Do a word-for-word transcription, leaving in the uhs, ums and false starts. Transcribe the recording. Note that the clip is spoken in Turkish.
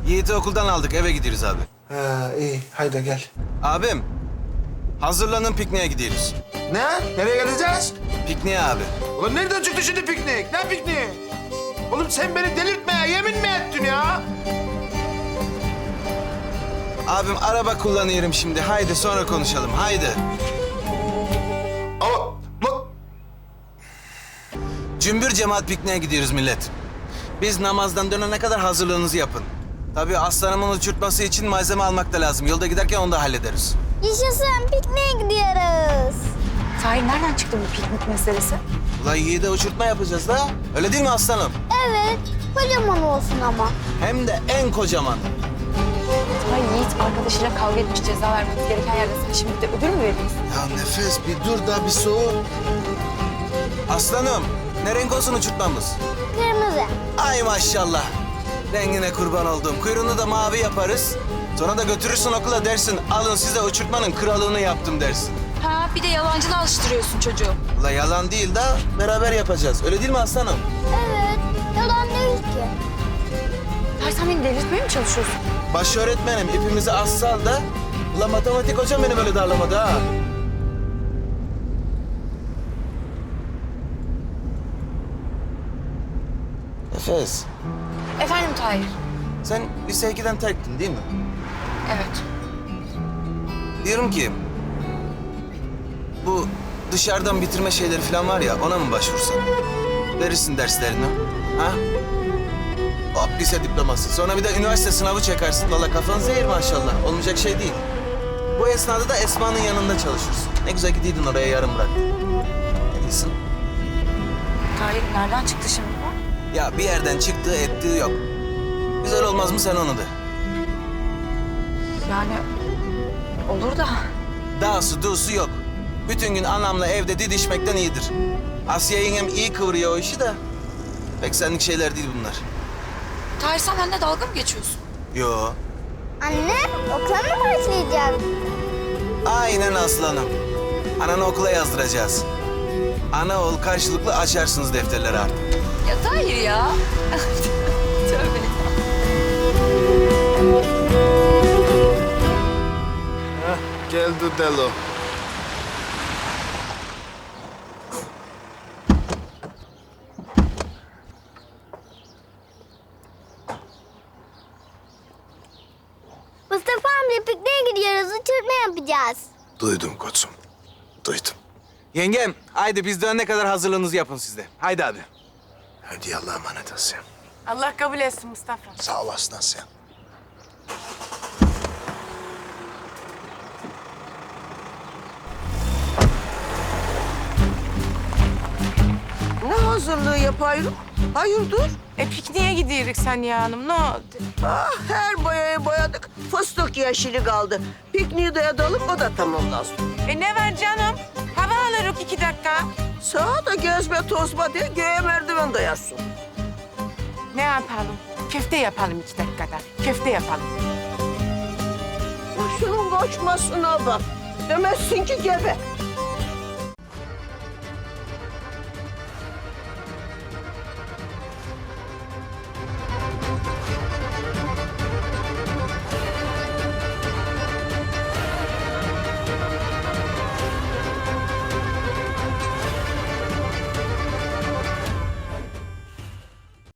Yiğit'i okuldan aldık, eve gidiyoruz abi. Ha iyi, haydi gel. Abim, hazırlanın pikniğe gidiyoruz. Ne? Nereye gideceğiz? Pikniğe abi. Ulan nereden çıktı şimdi piknik? Ne pikniği? Oğlum sen beni delirtmeye yemin mi ettin ya? Abim araba kullanıyorum şimdi. Haydi sonra konuşalım, haydi. Ama lan Cümbür cemaat pikniğe gidiyoruz millet. Biz namazdan dönene kadar hazırlığınızı yapın. Tabii aslanımın uçurtması için malzeme almak da lazım. Yolda giderken onu da hallederiz. Yaşasın, pikniğe gidiyoruz. Tahir nereden çıktı bu piknik meselesi? Ulan Yiğit'e uçurtma yapacağız da. Öyle değil mi aslanım? Evet, kocaman olsun ama. Hem de en kocaman. Tahir Yiğit arkadaşıyla kavga etmiş, ceza vermemiz gereken yerde sen şimdi de ödül mü veriyorsun? Ya Nefes bir dur da bir soğuk. Aslanım, ne renk olsun uçurtmamız? Kırmızı. Ay maşallah. Rengine kurban oldum. Kuyruğunu da mavi yaparız. Sonra da götürürsün okula dersin. Alın size uçurtmanın kralını yaptım dersin. Ha bir de yalancılığa alıştırıyorsun çocuğu. Ula yalan değil de beraber yapacağız. Öyle değil mi aslanım? Evet, yalan değil ki. Tahir sen beni delirtmeye mi çalışıyorsun? Baş öğretmenim ipimizi az sal da. Ula matematik hocam beni böyle darlamadı ha. Nefes, Efendim Tahir? sen lise ikiden terktin değil mi? Evet. Diyorum ki... Bu dışarıdan bitirme şeyleri falan var ya, ona mı başvursan? Verirsin derslerini, ha? Hop lise diploması. Sonra bir de üniversite sınavı çekersin. Valla kafan zehir maşallah. Olmayacak şey değil. Bu esnada da Esma'nın yanında çalışırsın. Ne güzel gidiydin oraya yarım bıraktın. Ne diyorsun? Tahir nereden çıktı şimdi bu? Ya bir yerden çıktığı ettiği yok. Güzel olmaz mı sen onu de. Yani olur da. Dağısı duğusu yok. Bütün gün anamla evde didişmekten iyidir. Asya yengem iyi kıvırıyor o işi de. Pek senlik şeyler değil bunlar. Tahir sen benimle dalga mı geçiyorsun? Yo. Anne, okula mı başlayacağız? Aynen aslanım. Ananı okula yazdıracağız. Ana oğul karşılıklı açarsınız defterleri artık. Ya Tahir ya. Tövbe. geldi Delo. Mustafa amca pikniğe gidiyoruz, uçurtma yapacağız. Duydum koçum, duydum. Yengem, haydi biz dönene kadar hazırlığınızı yapın siz de. Haydi abi. Hadi Allah'a emanet Asya. Allah kabul etsin Mustafa. Sağ olasın Asya. Ne hazırlığı yapayım? Hayırdır? E pikniğe gidiyoruz Saniye Hanım. Ne oldu? Ah, her boyayı boyadık. Fıstık yeşili kaldı. Pikniği de edelim, o da tamamlansın. E ne var canım? Hava alırız iki dakika. Sağa da gezme tozma diye göğe merdiven dayarsın. Ne yapalım? Köfte yapalım iki dakikada. Köfte yapalım. Bak şunun kaçmasına bak. Demezsin ki gebe.